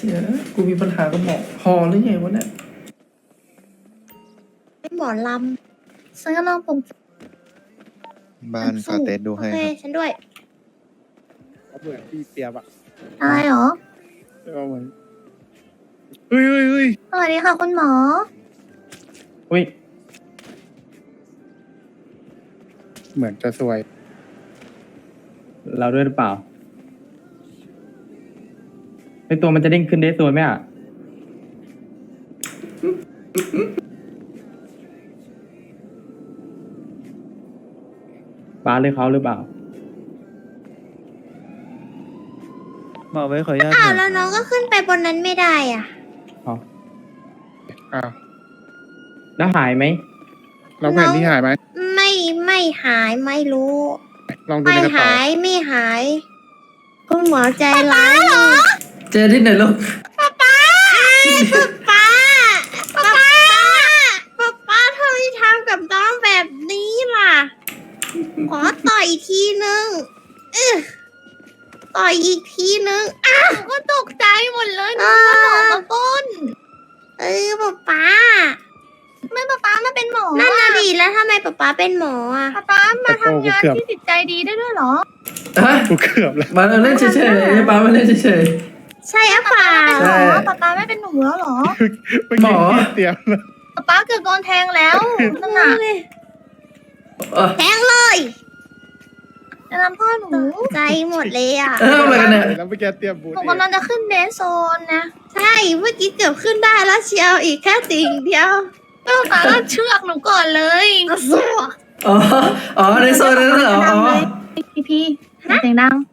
ชี่ยกูมีปัญหากับหมอพอหรือไงวะเนี่ยหมอลำฉันก็ลองปรุงบ้านฟาเตสดูโอให้เคครับฉันด้วยเหมือนพี่เปียบอะอะไรเหรอเหมือนเฮ้ยสวัสดีค่ะคุณหมออุ้ยเหมือนจะสวยเราด้วยหรือเปล่าไอตัวมันจะเด้งขึ้นได้สวยไหมอ่ะบ้าเลยเขาหรือเปล่าหมอไว้ขออนุญาตอ้าวหน่แล้อวย น้องก็ขึ้นไปบนนั้นไม่ได้อ่ะอ้าวแล้วหายไหมแล้วแผ่นที่หายไหมไม่หายไม่รู้ลองดูไม่ในกระเป๋าหายไม่หาย คุณหมอใจร้ายเหรอเจอที่ไหนลูกป้าป้าทำไมทำกับน้องแบบนี้ล่ะ ขอต่อยอีกทีนึงต่อยอีกทีนึงอ้าวก็ตกใจหมดเลยนึกว่าหนอนมาก้นป้าไม่ป้ามาเป็นหมอนั่นน่ะดิแล้วทำไมป้าเป็นหมออ่ะป้ามาทำงานที่จิตใจดีได้ด้วยเหรอฮะกูเกือบแล้วมาเล่นเฉยๆให้ป้ามาเล่นเฉยใช่อะเปล่าใช่ป้าไม่เป็นหนูแล้วเหรอหมอพี่เปียบแล้วป้าเกือบโดนแทงแล้วนั่นน่ะๆแทงเลยจะทำพ่อหนูใจหมดเลยอ่ะทำอะไรกันเนี่ยแล้วเมื่อกี้เตรียมบูธหนูกำลังจะขึ้นเดนโซนนะ ใช่เมื่อกี้เกือบขึ้นได้แล้วเชียวอีกแค่ติ่งเดียวป้าก็เชือกหนูก่อนเลยสัวอ๋อในโซนนั้นเหรออ๋อพี่เสียงดัง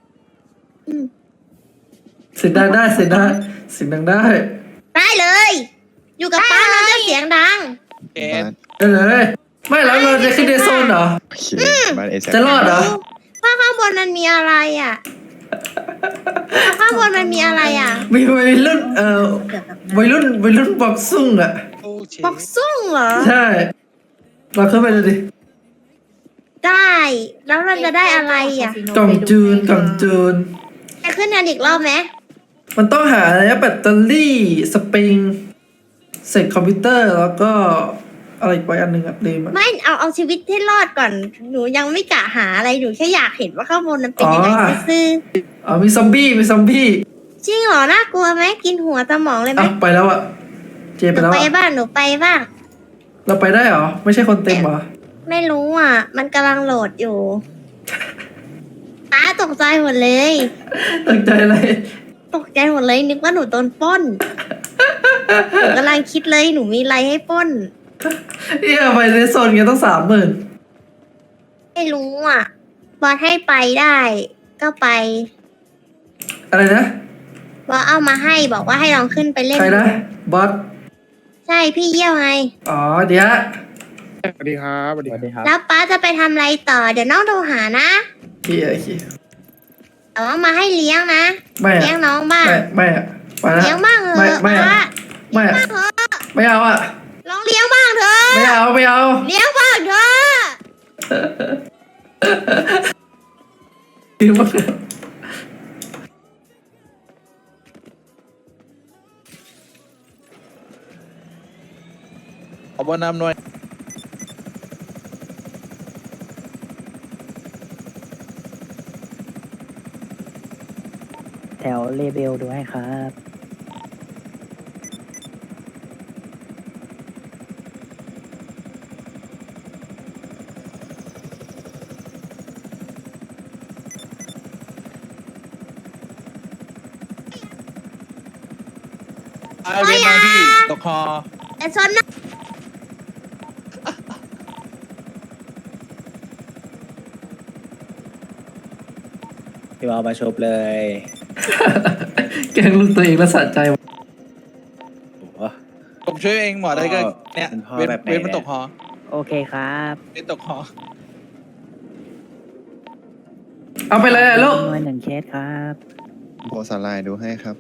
เสียงดังได้เสียงดังเสียงดังได้ได้เลย อยู่กับป้าเราจะเสียงดังบ้านได้เลยไม่แล้วเราจะขึ้นในโซนเหรอโอเคบ้านเอซจะรอดเหรอถ้าข้างบนมันมีอะไรอ่ะข้างบนมันมีอะไรอ่ะมีวัยรุ่นวัยรุ่นบ็อกซุ่งอ่ะบอกซุ่งเหรอใช่เราขึ้นไปดูดิได้ แล้วเราจะได้อะไรอ่ะกล่องจูนไปขึ้นกันอีกรอบไหมมันต้องหาอะไรนะแบตเตอรี่สปริงเสร็จคอมพิวเตอร์แล้วก็อะไรอีกไว้อันหนึ่งอะลืมอะไม่เอาชีวิตให้รอดก่อน หนูยังไม่กะหาอะไรหนูแค่อยากเห็นว่าข้างบนมันเป็นยังไงซื่ออ๋อมีซอมบี้ๆจริงเหรอน่ากลัวไหมกินหัวสมองเลยไหมอ่ะไปแล้วอะเจหไปนูแล้วไปอะบ้างหนูไปบ้างเราไปได้เหรอไม่ใช่คนเต็มเหรอไม่รู้อ่ะ มันกำลังโหลดอยู่ตาตกใจหมดเลยตั้งใจอะไรตกใจหมดเลยนึกว่าหนูโดนปล้นหนูกำลังคิดเลยหนูมีอะไรให้ปล้นเนี่ยไปในโซนเงี้ยต้อง30,000 ไม่รู้อ่ะบอสให้ไปได้ ก็ไปอะไรนะบอสเอามาให้บอกว่าให้ลองขึ้นไปเล่นใครนะบอสใช่พี่เยี่ยวไงอ๋อเดี๋ยวสวัสดีครับสวัสสดีควัรัสบดีครับแล้วป้าจะไปทำอะไรต่อ เดี๋ยวน้องโทรหานะเฮียแต่ว่ามาให้เลี้ยงนะไม่เลี้ยงอะน้องบ้างไม่อะไปละเลี้ยงบ้างเถไม่อะไม่อะป้าไม่อะบ้างเถอะไม่เอาอะลองเลี้ยงบ้างเถอะไม่เอาเลี้ยงบ้างเถอะคือมันขอบนำหน่อยแถวเลเบลดูให้ครับเรียนมาพี่ตกคอแต่ชนนะพี่บอลมาชบเลยแกล้งลูกตัวเองแล้วสะใจโอ้โหผมช่วยเองหมอได้ก็เนี่ยเป็นพ่อเว้นแบบไหนเว้นมันตกคอโอเคครับเว้นตกคอเอาไปเลยอะลูกจำนวนหนึ่งเคสครับโพสไลน์ดูให้ครับ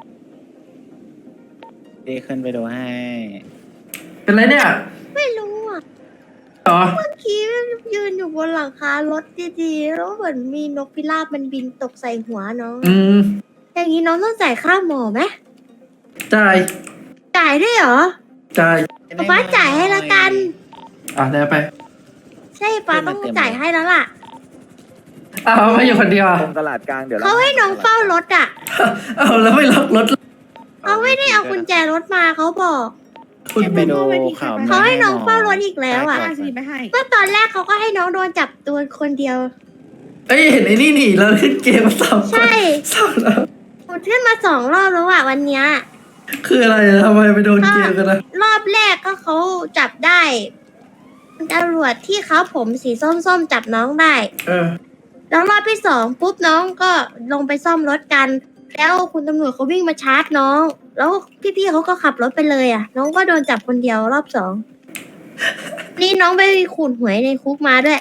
ดีขึ้นไปดูให้เป็นไรเนี่ยไม่รู้อ่ะอ๋อเมื่อกี้ยืนอยู่บนหลังคารถดีๆแล้วเหมือนมีนกพิราบมันบินตกใส่หัวน้องอืมอย่างนี้น้องต้องจ่ายค่าหมอไหมจ่ายจ่ายด้วยเหรอจ่ายป๊าจ่ายให้ละกันแล้วไปใช่ป๊าต้องจ่ายให้แล้วล่ะไม่อยู่คนเดียวอะตรงตลาดกลางเดี๋ยวเขาให้น้องเฝ้ารถอ่ะแล้วไม่ล็อกรถเขาไม่ได้เอากุญแจรถมาเขาบอกคุณไปดูข่าวเขาให้น้องเฝ้ารถอีกแล้วอ่ะไปให้ก็ตอนแรกเขาก็ให้น้องโดนจับตัวคนเดียวเห็นไอ้นี่หนีแล้วเล่นเกมมาสามคนใช่สามแล้วหมดขึ้นมา2 รอบแล้วอ่ะวันเนี้ยคืออะไรอะทำไมไปโดนเกมกันนะรอบแรกก็เขาจับได้ตำรวจที่เขาผมสีส้มๆจับน้องได้ แล้วรอบที่2ปุ๊บน้องก็ลงไปซ่อมรถกัน แล้วคุณตำรวจเขาวิ่งมาชาร์จน้อง แล้วพี่ๆเขาก็ขับรถไปเลยอ่ะ น้องก็โดนจับคนเดียวรอบ2นี่น้องไปขูดหวยในคุกมาด้วย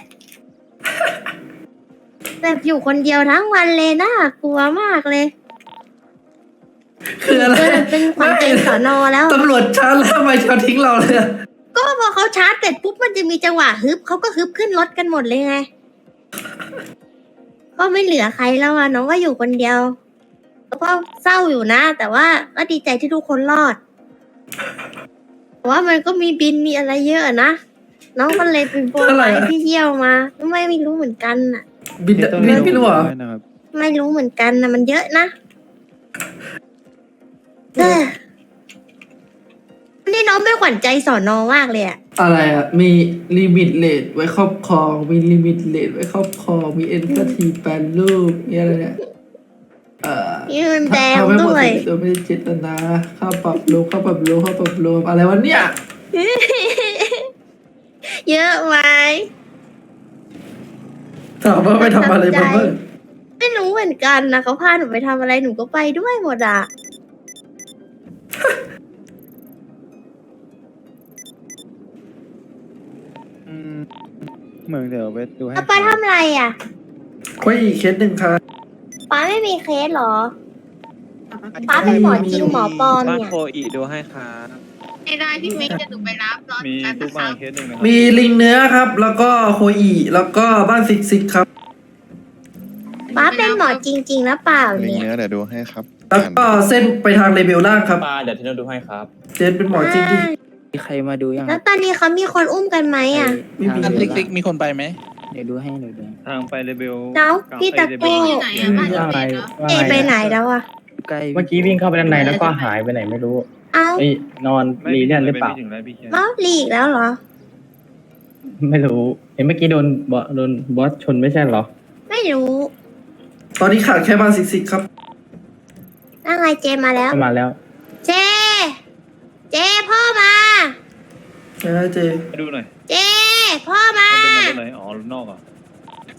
แบบอยู่คนเดียวทั้งวันเลยน่ากลัวมากเลยคืออะไรเป็นขวัญใจสอนอแล้วตำรวจชาร์จแล้วทำไมเขาทิ้งเราเลยอะก็พอเขาชาร์จเสร็จปุ๊บมันจะมีจังหวะฮึบเขาก็ฮึบขึ้นรถกันหมดเลยไง ก็ไม่เหลือใครแล้วอ่ะน้องก็อยู่คนเดียวแล้วก็เศร้าอยู่นะ แต่ว่าก็ดีใจที่ทุกคนรอดแต่ว่ามันก็มีบินมีอะไรเยอะนะน้องก็เลยเป็นโปรไฟล์ที่เที่ยวมาไม่รู้เหมือนกันอ่ะบินไม่รู้เหรอไม่รู้เหมือนกันนะมันเยอะนะนี่น้องเป็นขวัญใจสอนอมากเลยอ่ะอะไรอ่ะ มีลิมิตเลทไว้ครอบครอง มีลิมิตเลทไว้ครอบครอง มีเอ็นพทีแปดรูปนี่อะไรเนี่ยยืนแดงทำให้หมด้ดวยโดยไม่ได้เจตนาค่าปรับรวมค่าปรับรวมค่าปรับรวมอะไรวะเนี่ยเยอะไหมถามว่าไปทำอะไรมาบ้างไม่รู้เหมือนกันนะเขาพาหนูไปทำอะไรหนูก็ไปด้วยหมดอ่ะเมืองเดี๋ยวไปดูให้แล้วป้าทำอะไรอ่ะคุยอีกเคสหนึ่งค่ะป้าไม่มีเคสเหรอ ป้าเป็นหมอจริงหมอปลอมบ้านเนี่ยโคอีดูให้ครับไม่ได้พี่เมย์จะหนูไปรับรอมีกันทุนะกคบ้ารันบเคสหนึ่งนะมีลิงเนื้อครับ แล้วก็โคอีแล้วก็บ้านซิกซิกครับป้าเป็นหมอจริงๆนะเปล่าลิงเนี่ยเนื้อเดี๋ยวดูให้ครับแล้วก็เส้นไปทางเลเวลล่างครับปลาเดี๋ยวที่เราดูให้ครับเจนเป็นหมอจริงดิมีใครมาดูยังแล้วตอนนี้เขามีคนอุ้มกันไหมอ่ะไม่มีอันติ๊กๆมีคนไปไหมเดี๋ยวดูให้เดี๋ยวดูทางไปเลเบลแล้วพี่ตะโก้อยู่ไหนอะบ้านอยู่ไหนเหรอเอไปไหนแล้วอ่ะใกล้เมื่อกี้วิ่งเข้าไปด้านในแล้วก็หายไปไหนไม่รู้เอ้าเอ้ยนอนรีเลียนหรือเปล่าไม่ถึงแล้วพี่เคนเอ้าหลีกแล้วเหรอไม่รู้ เห็นเมื่อกี้โดนบอสชนไม่ใช่เหรอไม่รู้ตอนนี้ขาดแค่บ้านซิกซิกครับนั่งไงเจมาแล้วเข้ามาแล้วเจ เจพ่อมาใช่เจไปดูหน่อยเจ พ่อมามันเป็นมาเลยอ๋อรุ่นนอกเหรอเจ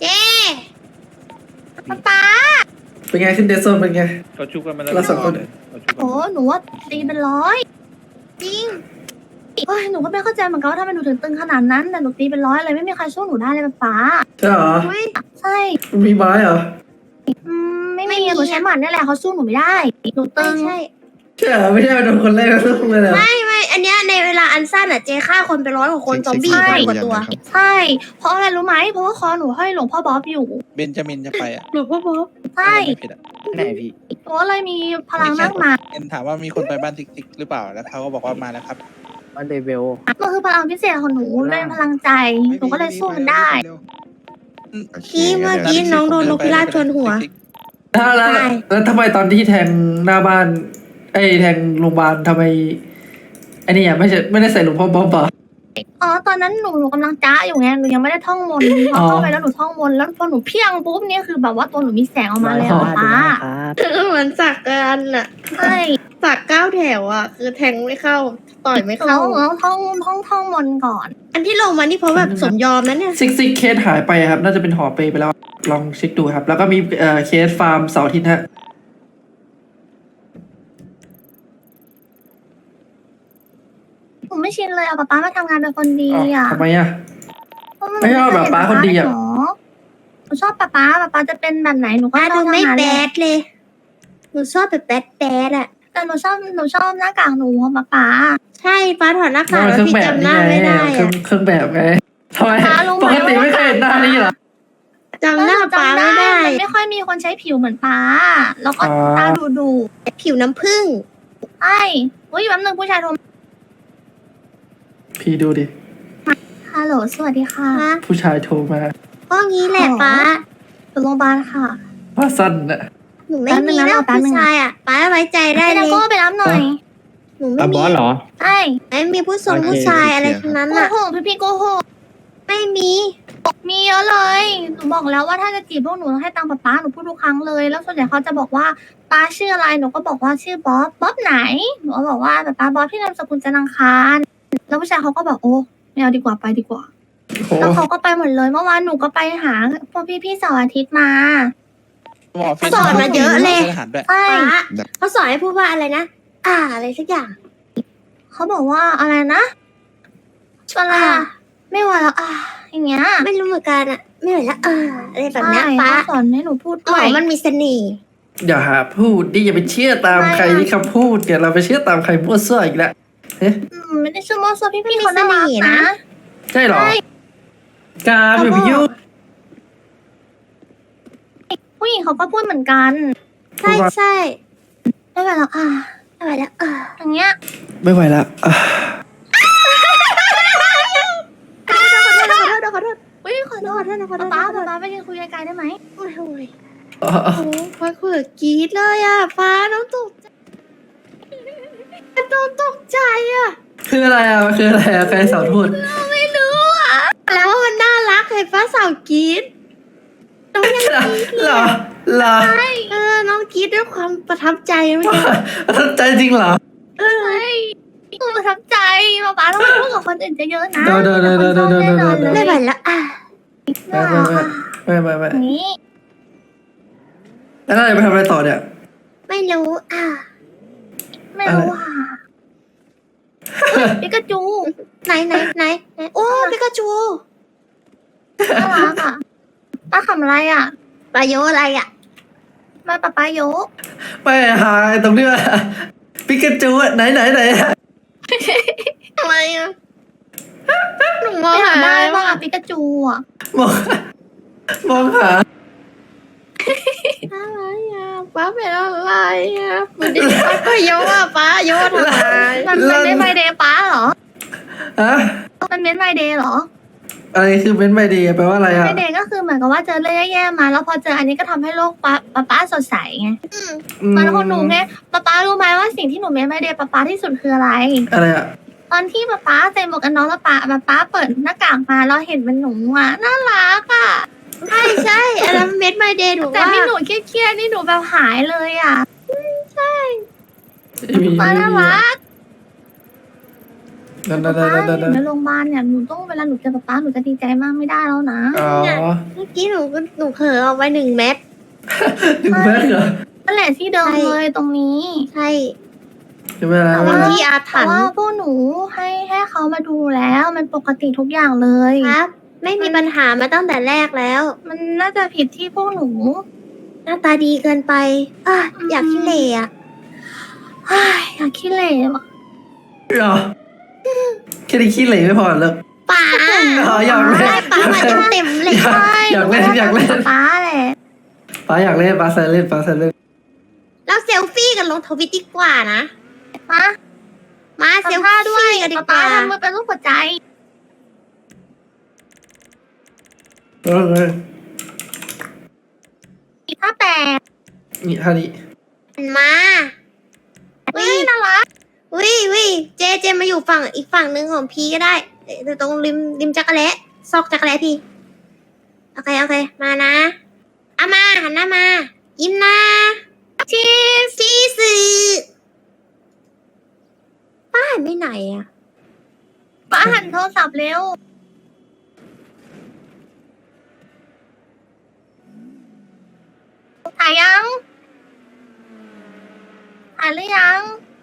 ป๊าเป็นไงขึ้นเดซโซนเป็นไงเขาชุบกันมาแล้วเราสองคนเขาชุบกันโอ้หนูว่าตีเป็น100 จริงเอ้ยหนูก็ไม่เข้าใจเหมือนกันว่าทำไมหนูถึงตึงขนาดนั้น แต่หนูตีเป็น100เลยไม่มีใครสู้หนูได้เลยป๊าใช่เหรออุ๊ยใช่มีไม้เหรอไม่มีหนูใช้หมัดนี่แหละเขาสู้หนูไม่ได้ หนูตึงใช่ใช่เหรอไม่ใช่เป็นคนแรกก็ต้องเลยเหรอไม่อันเนี้ยในเวลาอันสั้นอ่ะเจฆ่าคนไป100 กว่าคนซอมบี้ซิกซิพันกกว่าตัวยังนะครับใช่ เพราะอะไรรู้ไหมเพราะว่าคอหนูห้อยหลวงพ่อบ๊อบอยู่เบนจามินจะไปอ่ะหรือพ่อบ๊อบใช่ไม่ผิดอ่ะไหนพี่หนูก็เลยมีพลังมากมายเอ็นถามว่ามีคนไปบ้านติ๊กๆหรือเปล่าแล้วเขาก็บอกว่ามาแล้วครับบ้านเลเบลมันคือพลังพิเศษของหนูเป็นพลังใจหนูก็เลยสู้มันได้เมื่อกี้น้องโดนนกพิราบชนหัวแล้วใช่แล้วทำไมตอนที่แทงหน้าบ้านแทงโรงพยาบาลทำไมไอ้นี่อ่ะไม่ได้ใส่หลวงพ่อบ๊อบเหรออ๋อตอนนั้นหนูกำลังจ้าอยู่ไงหนูยังไม่ได้ท่องมนต์พอเข้าไปแล้วหนูท่องมนต์แล้วพอหนูเพียงปุ๊บนี่คือแบบว่าตัวหนูมีแสงออกมาเลยดูอะป๊าให้ครับเหมือนสักกันอ่ะใช่สัก9 แถวอ่ะ คือแทงไม่เข้า ต่อยไม่เราเข้าต้องท่องมนต์ก่อนอันที่ลงมานี่เพราะแบบสมยอมนะเนี่ยซิกซิกเคสหายไปครับ น่าจะเป็นหอเปไปแล้ว ลองเช็คดูครับ แล้วก็มีเคสฟาร์มเสาร์อาทิตย์ฮะหนูไม่ชินเลยอะป๊ามาทำงานเป็นคนดีอ้าวอะทำไมอ่ะ ไม่ชอบแบบป๊าคนดีอะหนูชอบป๊าจะเป็นแบบไหนหนูก็ป้าชดูอบไม่ทำงานแบเลยดเลย หนูชอบแบบแบดอ่ะแต่หนูชอบหน้ากากหนูของป๊าใช่ป้าถอดหน้ากากมันแล้วเครื่องพี่แบบจำหนี่น้าไงไม่ได้เครื่องแบบไงทำไมป๊ารู้ไหมปกติไม่เคยเห็นหน้านี้เหรอจำหน้าป้าไม่ได้มันไม่ค่อยมีคนใช้ผิวเหมือนป๊าแล้วก็อ๋อตาดูผิวน้ำผึ้งใช่ช่เฮ้ยแป๊บนึงผู้ชายโทรมาพี่ดูดิฮัลโหลสวัสดีค่ะผู้ชายโทรมาก็งี้แหละป้าอยู่โรงพยาบาลค่ะว่าสั้นน่ะหนูไม่มีนะผู้ชายอ่ะป้าไว้ใจได้พี่เลดาย โก้ไปรับหน่อยหนูไม่อ่ะบมีอสเหรอใช่ไม่มีผู้ทรงโอเคผู้ชายอะไรทั้งนั้นโกอ่ะหกพี่โกหกไม่มีมีเยอะเลยหนูบอกแล้วว่าถ้าจะจีบพวกหนูต้องให้ตังค์ป๊าหนูพูดทุกครั้งเลยแล้วส่วนใหญ่เขาจะบอกว่าป๊าชื่ออะไรหนูก็บอกว่าชื่อบ๊อบไหนหนูก็บอกว่าป๊าบ๊อบที่นามสกุลจันทร์อังคารแล้วผู้ชายเขาก็บอกโอ้ไม่เอาดีกว่าไปดีกว่าโอ้แล้วเขาก็ไปหมดเลยเมื่อวานหนูก็ไปหาพวกพี่ๆเสาร์อาทิตย์มาหมอฟินสอนมาเยอะเลยทหารด้วยใช่ป้าเขาสอนให้พูดว่าอะไรนะอะไรสักอย่างเขาบอกว่าอะไรนะอะไรอะไม่ไหวแล้วอย่างเงี้ยไม่รู้เหมือนกันอ่ะไม่ไหวแล้วอะไรแบบเนี้ยใช่ป้าเขาสอนให้หนูพูดหมด้วอย มันมีเสน่ห์อย่าหาพูดดิอย่าไปเชื่อตามใครที่คำพูดเดี๋ยวเราไปเชื่อตามใครมั่วซั่วอีกแล้วเอ๊ะไม่ได้ชื่อมอสพี่ๆเขาน่ารักนะใช่เหรอใช่กาอย่าไปยุ่งผู้หญิงเขาก็พูดเหมือนกันใช่ใช่ไม่ไหวแล้วไม่ไหวแล้วอย่างเงี้ยไม่ไหวละอ่ะขอโทษอุ้ยขอโทษป๊าไปยืนคุยไกลๆได้ไหมโอ้ยอ่ะโอ้ฟ้าคุยกับกรีดเลยอ่ะฟ้าน้องตกใจน้องตกใจอ่ะคืออะไรอ่ะคืออะไรอ่ะใครสอนพูดไม่รู้อ่ะแล้วว่ามันน่ารักเห็นฟ้าสาวกรีดน้องยังเหรอเหรอน้องกรีดด้วยความประทับใจเมื่อกี้ทันใจจริงเหรอใช่หนูประทับใจป๊าต้องไปพูดกับคนอื่นเยอะๆนะเดี๋ยวไม่ไหวแล้วไม่ไม่นี้แล้วเราจะไปทำอะไรต่อเนี่ยไม่รู้ไม่รู้ปิกาจูไหนโอ้ปิกาจูน่ารักป้าขำอะไรปลาโยอะไรอ่ะมาป๊าโยไม่หายตรงนี้ปิกาจูอ่ะไหนทำไมอ่ะหนูมไม่องหาทำได้บ้างปิกาจูมองหาอะไรอ่ะป้าเป็นอะไรอ่ะมันดิป้าโยอ่ะป้าโยทำไมมันเป็นไมเดย์ป้าเหรอฮะมันเป็นไมเดย์เหรออะไรคือเป็นไม่ดีแปลว่าอะไรอ่ะไมเดย์ก็คือเหมือนกับว่าเจอเรื่องแย่ๆมา แล้วพอเจออันนี้ก็ทำให้โลกป๊าสดใสไงมันของหนูไงป๊ารู้ไหมว่าสิ่งที่หนูเมนไมเดย์ป๊าที่สุดคืออะไรอะไรอ่ะตอนที่ป๊าใส่หมวกกันน็อกแล้วป๊าเปิดหน้ากากมาแล้วเห็นเป็นหนูน่ารักใช่อันนั้นเม็ดไมเดย์หนูแต่ว่าที่หนูเครียดนี่หนูแบบหายเลยป๊าน่ารักนั่นป๊าอยู่ในโรงพยาบาลเนี่ยหนูต้องเวลาหนูเจอป๊าหนูจะดีใจมากไม่ได้แล้วนะอ๋อเมื่อกี้หนูเผลอเอาไว้1 เม็ดถึงแม้เหรอนั่นแหละที่เดิมเลยตรงนี้ใช่ใช่ไหมล่ะเป็นที่อาถรแต่รพ์ว่าพวกหนูให้เขามาดูแล้วมันปกติทุกอย่างเลยครับ ไม่มีปัญหามาตั้งแต่แรกแล้วมันน่าจะผิดที่พวกหนูหน้าตาดีเกินไปอยากขี้เหร่อะอยากขี้เหร่ว่ะเหรอแค่ได้ขี้เหร่ไม่พอเลยป๋าอ๋ออยากเล่นได้ป๋ามาเต็มๆเลยอยากเล่นป๊าแหละป้าอยากเล่นป้าใส่เล่นเราเซลฟี่กันลงทวิตดีกว่านะ มาเซลทำท่าฟี่ด้วยกันดีกป๊าว่าทำมือเป็นรูปหัวใจ ถ้าแปดนี่ท่านี้มาเฮ้ยน่ารักวิเจมาอยู่ฝั่งอีกฝั่งหนึ่งของพี่ก็ได้ตรงริมจักรแล้ซอกจักรแล้พี่โอเคมานะเอามาหันหน้ามายิ้มนะชีสื่อป้าหันไปไหนอะป๊าหันโทรศัพท์เร็วถ่ายยังถ่ายหรือยัง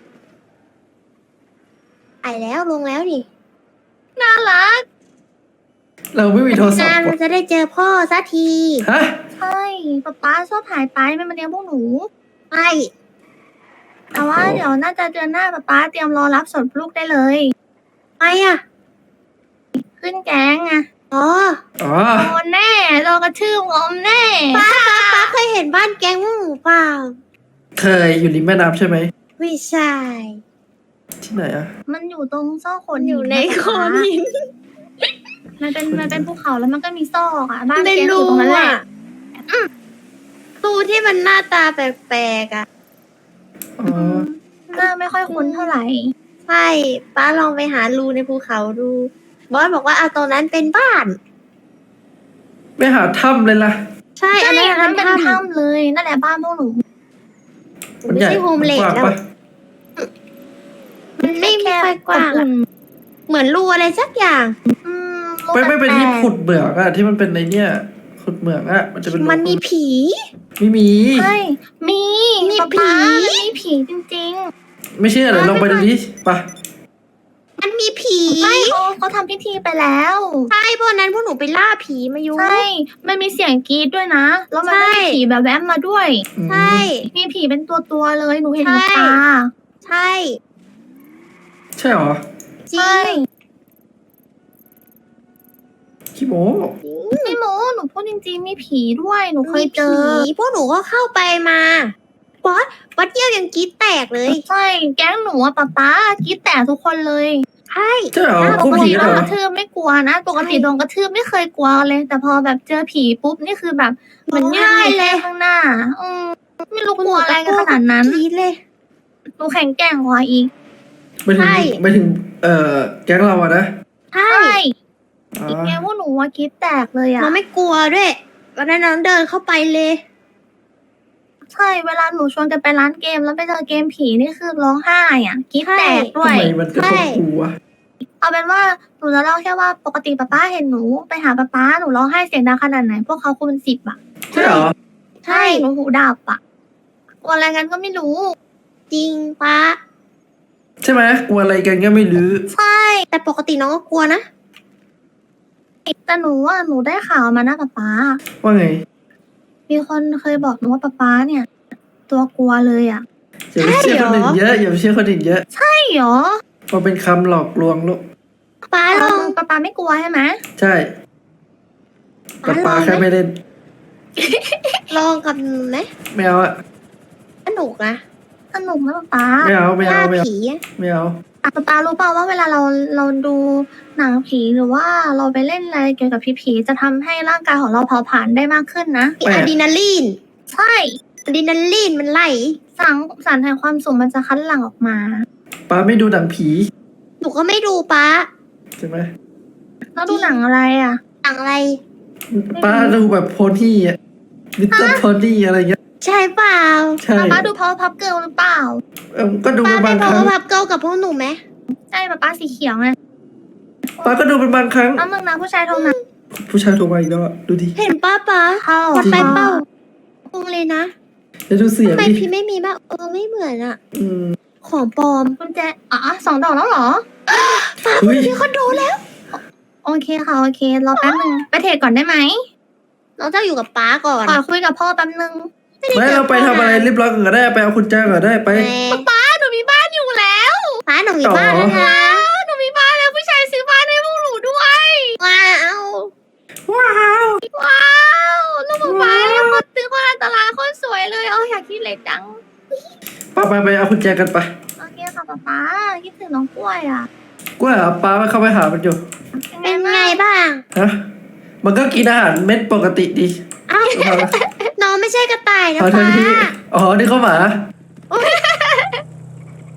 ไปแล้วลงแล้วนี่น่ารักเราไม่มีโทรศัพนานท์มันจะได้เจอพ่อสักทีฮะใช่ป๊าชอบหายไปไม่มาเลี้ยงพวกหนูใช่แต่ว่าเดี๋ยวน่าจะเดือนหน้าป๊าเตรียมรอรับส่งลูกได้เลยไปอะขึ้นแก๊งอะอ๋อโดนแน่โดนกระทืบงอมแน่ป้าเคยเห็นบ้านแก๊งพวกหมูเปล่าเคยอยู่ริมแม่น้ำใช่ไหมวิไม่ใช่ที่ไหนอะมันอยู่ตรงซอกโขดอยู่ในโขดหินมันเป็นภูเขาแล้วมันก็มีซอกอ่ะบ้านในแกอรูยู่ตรงนั้นแหละอะรูที่มันหน้าตาแปลกๆอะอ๋อหน้าไม่ค่อยคุ้นเท่าไหร่ใช่ป้าลองไปหารูในภูเขาดูบอสบอกว่าเอาตรงนั้นเป็นบ้านไม่หาถ้ำเลยล่ะใช่ใช่อันนั้นอันนั้นเป็นถ้ำถ้ำเลยนั่นแหละบ้านพวกหนูมันไม่ใหญ่ใช่โฮมเลดกว้างแล้วปะมันไม่ค่อยกว้างอบอะอุ่นเหมือนรูอะไรสักอย่างอืมไม่เป็นแปลกๆที่ขุดเหมืองอะที่มันเป็นในเนี่ยขุดเหมืองอะมันจะเป็นรูมันมีผีไม่มีใช่มีมีป๊าป๊าผีมันมีผีจริงไม่เชื่อเหรอลองไปดูดิไปะมันมีผีๆไม่เขาทำพิธีไปแล้วใช่เพราะนั้นพวกหนูไปล่าผีมาอยู่ใช่มันมีเสียงกรีดด้วยนะแล้วมันก็ใช่มีผีแบบแวบมาด้วยใช่มีผีเป็นตัวๆเลยหนูเห็นกับใช่ตาใช่ใช่เหรอจริใช่งขี้โมไม่โม้หนูพูดจริงๆมีผีด้วยหนูเคยเจอมีผีพวกหนูก็เข้าไปมาบอสเยี่ยวยังกรีดแตกเลยใช่แก๊งหนูอะป๊ากรีดแต่ทุกคนเลยใช่ใช่เหรอปคู่กผีติเหโดรนอกระทืบไม่กลัวนะปกติโดนกระทืบไม่เคยกลัวเลย แต่พอแบบเจอผีปุ๊บนี่คือแบบเหมือนยืนอยู่ข้างหน้าไม่รู้กลัวอะไรกันขนาดนั้นกรีดเลยหนูแข็งแกร่งกว่าอีกไม่ถึงใช่ไม่ถึงแก๊งเราอะนะใช่ใช่อ๋ออีกแกพวกหนูว่ากรีดแตกเลยอะเราไม่กลัวด้วยวันนั้นน้องเดินเข้าไปเลยใช่เวลาหนูชวนกันไปร้านเกมแล้วไปเจอเกมผีนี่คือร้องไห้อะกรีดแตกด้วทำยไมมันกระทบกูวะเอาเป็นว่าหนูจะเล่าแค่ว่าปกติป๊าเห็นหนูไปหาป๊าหนูร้องไห้เสียงดังขนาดไหน พวกเขาคูณ10อะใช่เหรอใช่หนูหูดับอะกลัวอะไรกันก็ไม่รู้จริงป้าใช่ไหมกลัวอะไรกันก็ไม่รู้ใช่แต่ปกติน้องก็กลัวนะแต่หนูว่าหนูได้ข่าวมานะป๊าว่าไงมีคนเคยบอกหนูว่าป๊าเนี่ย ตัวกลัวเลยอะอย่าไปเชื่อคนอื่นเยอะอย่าไปเชื่อคนอื่นเยอะใช่เหรอมันเป็นคำหลอกลวงลูกป้าลองป๊าไม่กลัวใช่ไหมใช่แต่ปลาแค่ไม่เล่นลองกับหนูไหมไม่เอาอะสนุกนะสนุกนะป๊าไม่เอาไม่ล่าเอาไม่เอาผีอะไม่เอาป๊ารู้เปล่าว่าเวลาเราดูหนังผีหรือว่าเราไปเล่นอะไรเกี่ยวกับผีจะทำให้ร่างกายของเราเผาผลาญได้มากขึ้นนะมีอะดรีนาลีนใช่อะดรีนาลีนมันไหลสารแห่งความสุขมันจะคั้นหลั่งออกมาปลาไม่ดูหนังผีหนูก็ไม่ดูป้าใช่ไหมแล้วดูหนังอะไรอ่ะหนังอะไรปลาดูแบบโพนี่อะลิตเติ้ลโพนี่อะไรเงี้ยใช่เปล่าใช่ป๊าดูพาวพับเกิลหรือเปล่าก็ดูป้าเป็นไปบางพคอรั้งพับเกิลกับพวกหนูไหมใช่ป๊าสีเขียวไงปลาก็ดูเป็นบางครั้งแล้วมึงนะผู้ชายโทรมาผู้ชายโทรมาอีกแล้วอะดูดิเห็นป้าป้าเข้าวัดไปเป้าคงเลยนะจะดูเสียงทำไมดิพี่ไม่มีบ้างไม่เหมือนอะอืมของปลอมกุญแจ2 ดอกแล้วเหรอเฮ้ยพี่คอนโดแล้วโอเคค่ะโอเครอแป๊บนึงไปเทรดก่อนได้ไหมน้องเจ้าอยู่กับป้าก่อนขอคุยกับพ่อแป๊บนึงไม่เราไปทำอะไรเรียบร้อยก่อนก็ได้ไปเอาคุณแจก่อนได้ไปป้าหนูมีบ้านอยู่แล้วป้าหนูมีบ้านแล้วนะหนูมีบ้านแล้วผู้ชายซื้อบ้านให้พวกหนูด้วยว้าวว้าวว้าวลูกป๊าเนี่ยคนซื้อคนอันตรายคนสวยเลยอยากคิดเล็กจังไปเอาคุณแจกันไปโอเคค่ะป๊าคิดถึงน้องกล้วยอ่ะกล้วยเหรอปลาไม่เข้าไปหามันอยู่เป็นไงบ้างฮะมันก็กินอาหารเม็ดปกติดีอ้าวน้องไม่ใช่กระต่ายนะเอาทัป้านทีอ๋อนี่เขาหมา